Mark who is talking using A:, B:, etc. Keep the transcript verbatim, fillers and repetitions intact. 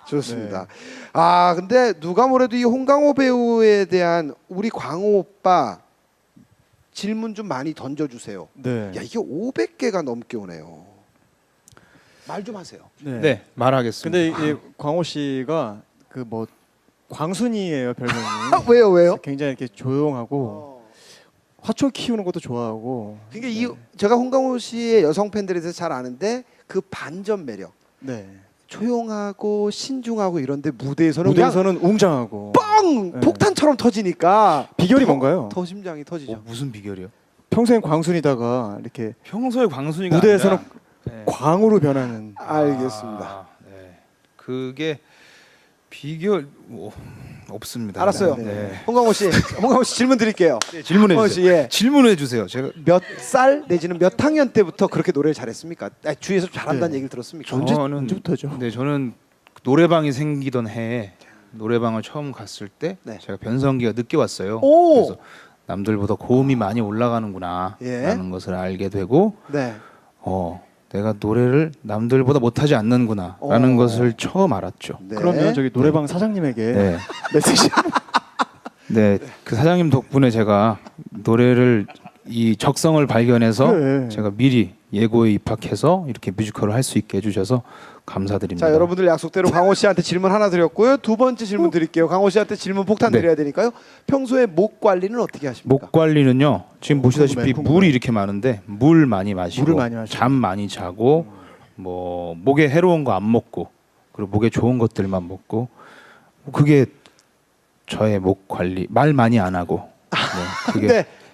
A: 좋습니다. 네. 아 근데 누가 뭐래도 이 홍강호 배우에 대한 우리 광호 오빠 질문 좀 많이 던져주세요.
B: 네.
A: 야 이게 오백 개가 넘게 오네요. 말 좀 하세요.
B: 네.
C: 네, 말하겠습니다.
B: 근데 이 광호 씨가 그 뭐 광순이에요 별명이.
A: 아, 왜요 왜요?
B: 굉장히 이렇게 조용하고
A: 어.
B: 화초 키우는 것도 좋아하고.
A: 그러니까 이 제가 홍강호 씨의 여성 팬들에 대해서 잘 아는데 그 반전 매력.
B: 네.
A: 조용하고 신중하고 이런데 무대에서는 그냥
B: 무대에서는 웅장하고.
A: 뻥
B: 네.
A: 폭탄처럼 터지니까
B: 비결이
A: 더,
B: 뭔가요?
A: 더 심장이 터지죠.
C: 어, 무슨 비결이요?
B: 평소엔 광순이다가 이렇게
C: 평소에 광순이가
B: 무대에서는
C: 아니라, 네.
B: 광으로 변하는.
A: 알겠습니다.
C: 아, 네. 그게 비결 뭐, 없습니다.
A: 알았어요.
C: 네.
A: 홍강호 씨, 홍강호 씨 질문 드릴게요.
C: 네, 질문해
A: 홍강호
C: 주세요.
A: 씨, 예.
C: 질문해 주세요. 제가
A: 몇 살 내지는 몇 학년 때부터 그렇게 노래를 잘했습니까? 아, 주위에서 잘한다는
B: 네.
A: 얘기를 들었습니까?
B: 언제-
C: 저는
B: 언제부터죠?
C: 네, 저는 노래방이 생기던 해에 노래방을 처음 갔을 때
A: 네.
C: 제가 변성기가 늦게 왔어요.
A: 오!
C: 그래서 남들보다 고음이 많이 올라가는구나라는
A: 예.
C: 것을 알게 되고
A: 네.
C: 어, 내가 노래를 남들보다 못하지 않는구나라는
A: 어.
C: 것을 처음 알았죠.
A: 네.
B: 그러면 저기 노래방 사장님에게
C: 네.
B: 메시지.
C: 네, 그 사장님 덕분에 제가 노래를 이 적성을 발견해서
B: 그래.
C: 제가 미리 예고에 입학해서 이렇게 뮤지컬을 할 수 있게 해주셔서 감사드립니다.
A: 자 여러분들 약속대로 강호 씨한테 질문 하나 드렸고요. 두 번째 질문 드릴게요. 강호 씨한테 질문 폭탄
C: 네.
A: 드려야 되니까요. 평소에 목 관리는 어떻게 하십니까?
C: 목 관리는요. 지금 보시다시피
B: 궁금해, 궁금해.
C: 물이 이렇게 많은데 물 많이 마시고,
B: 물을 많이 마시고.
C: 잠 많이 자고, 뭐 목에 해로운 거 안 먹고, 그리고 목에 좋은 것들만 먹고, 그게 저의 목 관리. 말 많이 안 하고. 네, 그게
A: 근데